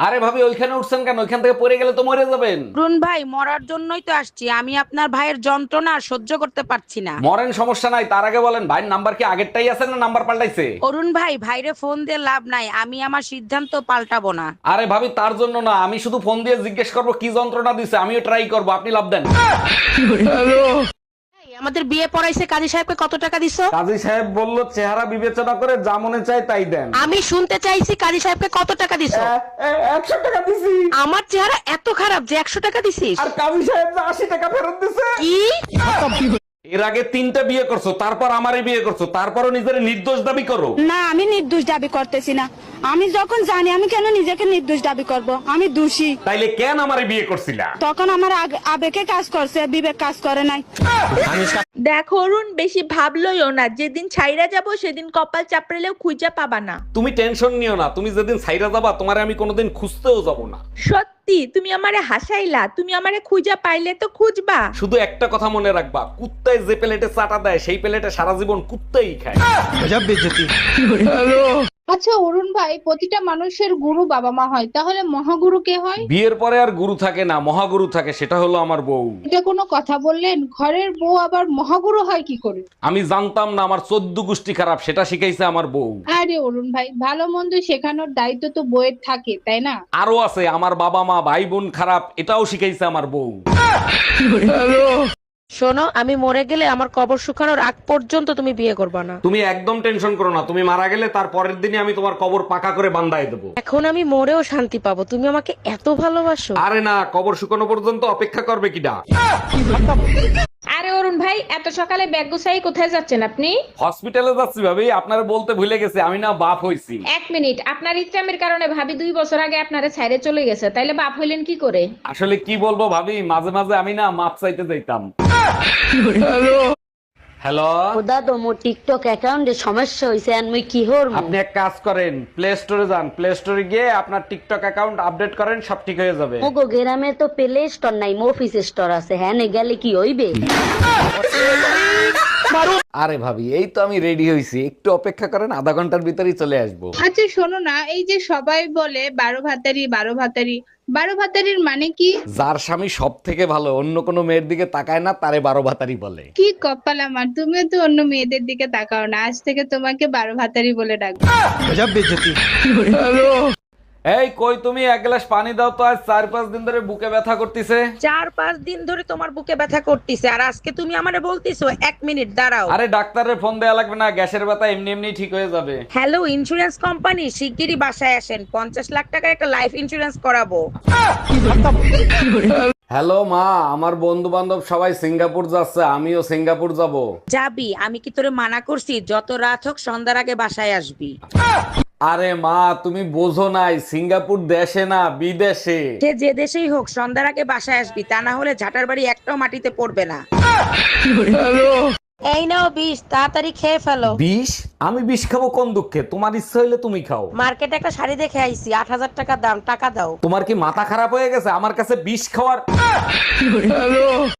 আরে ভাবি ওইখানে উঠছেন কেন? ওইখান থেকে পড়ে গেলে তো মরে যাবেন। অরুণ ভাই মরার জন্যই তো আসছি, আমি আপনার ভাইয়ের যন্ত্রণা আর সহ্য করতে পারছি না। মরেন, সমস্যা নাই, তার আগে বলেন ভাইয়ের নাম্বার কি আগেরটাই আছে না নাম্বার পাল্টাইছে? অরুণ ভাই, ভাইরে ফোন দিয়ে লাভ নাই, আমি আমার সিদ্ধান্ত পাল্টাবো না। আরে ভাবি তার জন্য না, আমি শুধু ফোন দিয়ে জিজ্ঞেস করবো কি যন্ত্রণা দিছে, আমিও ট্রাই করবো, আপনি লাভ দেন। আমাদের বিয়ে পড়াইছে, কাজী সাহেবকে কত টাকা দিছো? কাজী সাহেব বলল চেহারা বিবেচনা করে যা মনে চায় তাই দেন। আমি শুনতে চাইছি কাজী সাহেবকে কত টাকা দিছো? 100 টাকা দিছি। আমার চেহারা এত খারাপ যে 100 টাকা দিছিস? আর কাজী সাহেব 80 টাকা ফেরত দিছে। কি? এর আগে 3টা বিয়ে করছো, তারপর আমারই বিয়ে করছো, তারপরও নিজের নির্দোষ দাবি করো। না, আমি নির্দোষ দাবি করতেছি না। আমি যখন জানি, আমি কেন নিজেকে নির্দোষ দাবি করব? আমি দোষী। তাইলে কেন আমারে বিয়ে করছিলা? তখন আমার আবেগে কাজ করছে, বিবেক কাজ করে নাই। দেখো অরুণ, বেশি ভাবলইও না, যেদিন ছাইরা যাব সেদিন কপাল চাপড়েলেও খুঁজে পাবা না। তুমি টেনশন নিও না, তুমি যেদিন সাইরা যাবা তোমারে আমি কোনোদিন খুঁজতেও যাব না। সত্যি তুমি আমারে হাসাইলা, তুমি আমারে খুঁজা পাইলে তো খুঁজবা। শুধু একটা কথা মনে রাখবা, কুত্তায় যে প্লেটে চাটা দেয় সেই প্লেটে সারা জীবন কুত্তাই খায়। আচ্ছা অরুণ ভাই, প্রতিটা মানুষের গুরু বাবা মা হয়, তাহলে মহাগুরু কে হয়? বিয়ের পরে আর গুরু থাকে না, মহাগুরু থাকে, সেটা হলো আমার বউ। এটা কোনো কথা বললেন? ঘরের বউ আবার মহাগুরু হয় কি করে? আমি জানতাম না আমার 14 গোষ্ঠী খারাপ, সেটা শিখাইছে আমার বউ। আরে অরুণ ভাই, ভালো মন্দ শেখানোর দায়িত্ব তো বইয়ের থাকে, তাই না? আরো আছে, আমার বাবা মা ভাই বোন খারাপ, এটাও শিখাইছে আমার বউ। শোনো, আমি মরে গেলে আমার কবর শুকানোর আগ পর্যন্ত তুমি বিয়ে করবে না। তুমি একদম টেনশন করো না, তুমি মারা গেলে তার পরের দিনই আমি তোমার কবর পাকা করে বান্ধায় দেবো। এখন আমি মরেও শান্তি পাবো, তুমি আমাকে এত ভালোবাসো। আরে না, কবর শুকানো পর্যন্ত অপেক্ষা করবে কিডা? আরে অরুণ ভাই, এত সকালে ব্যাগ গুছাই কোথায় যাচ্ছেন আপনি? হসপিটালে যাচ্ছি ভাবি, আপনারা বলতে ভুলে গেছে আমি না বাপ হইছি। এক মিনিট, আপনার ইচ্ছামের কারণে ভাবি 2 বছর আগে আপনারে ছাইরে চলে গেছে, তাইলে বাপ হইলেন কি করে? আসলে কি বলবো ভাবি, মাঝে মাঝে আমি না মাপ চাইতে যাইতাম। হ্যালো, দাদা মোর টিকটক অ্যাকাউন্টে সমস্যা হইছে, আর মুই কি হরমু? আপনি এক কাজ করেন, প্লে স্টোরে যান, প্লে স্টোরে গিয়ে আপনার টিকটক অ্যাকাউন্ট আপডেট করেন, সব ঠিক হয়ে যাবে। মোগো গ্রামে তো প্লে স্টোর নাই, অফিস স্টোর আছে। হ্যাঁ, নে গেলে কি হইবে? আরে ভাবি এই তো আমি রেডি হইছি, একটু অপেক্ষা করেন, আধা ঘন্টার ভিতরেই চলে আসবো। আচ্ছা শোনো না, এই যে সবাই বলে 12 ভাতারি 12 ভাতারি, 12 ভাতারির মানে কি? যার স্বামী সব থেকে ভালো, অন্য কোনো মেয়ের দিকে তাকায় না, তারে 12 ভাতারি বলে। কি কপাল আমার, তুমিও তো অন্য মেয়েদের দিকে তাকাও না, আজ থেকে তোমাকে 12 ভাতারি বলে ডাকবো। এই কই তুমি, এক গ্লাস পানি দাও তো, আজ 4-5 দিন ধরে বুকে ব্যথা করতেছে। 4-5 দিন ধরে তোমার বুকে ব্যথা করতেছে, আর আজকে তুমি আমারে বলতেছো 1 মিনিট দাঁড়াও। আরে ডাক্তারের ফোন দেয়া লাগবে না, গ্যাসের ব্যথা এমনি এমনি ঠিক হয়ে যাবে। হ্যালো ইন্স্যুরেন্স কোম্পানি, শিগগিরই বাসায় আসেন, 50 লাখ টাকার একটা লাইফ ইন্স্যুরেন্স করাবো। হ্যালো মা, আমার বন্ধু বান্ধব সবাই সিঙ্গাপুর যাচ্ছে, আমিও সিঙ্গাপুর যাব। যাবি? আমি কি তোরে মানা করছি? যত রাত হোক সন্ধ্যার আগে বাসায় আসবি। আরে মা তুমি বোঝো নাই, সিঙ্গাপুর দেশে না বিদেশে। সে যে দেশেই হোক সন্ধ্যার আগে বাসায় আসবি, তা না হলে ঝাঁটার বাড়ি একটাও মাটিতে পড়বে না। এই নাও বিষ, তাড়াতাড়ি খেয়ে ফেলো। বিষ? আমি বিষ খাবো কোন দুঃখে? তোমার ইচ্ছা হইলে তুমি খাও। মার্কেটে একটা শাড়ি দেখে আইছি, 8,000 টাকা দাম, টাকা দাও। তোমার কি মাথা খারাপ হয়ে গেছে আমার কাছে বিষ খাওয়ার?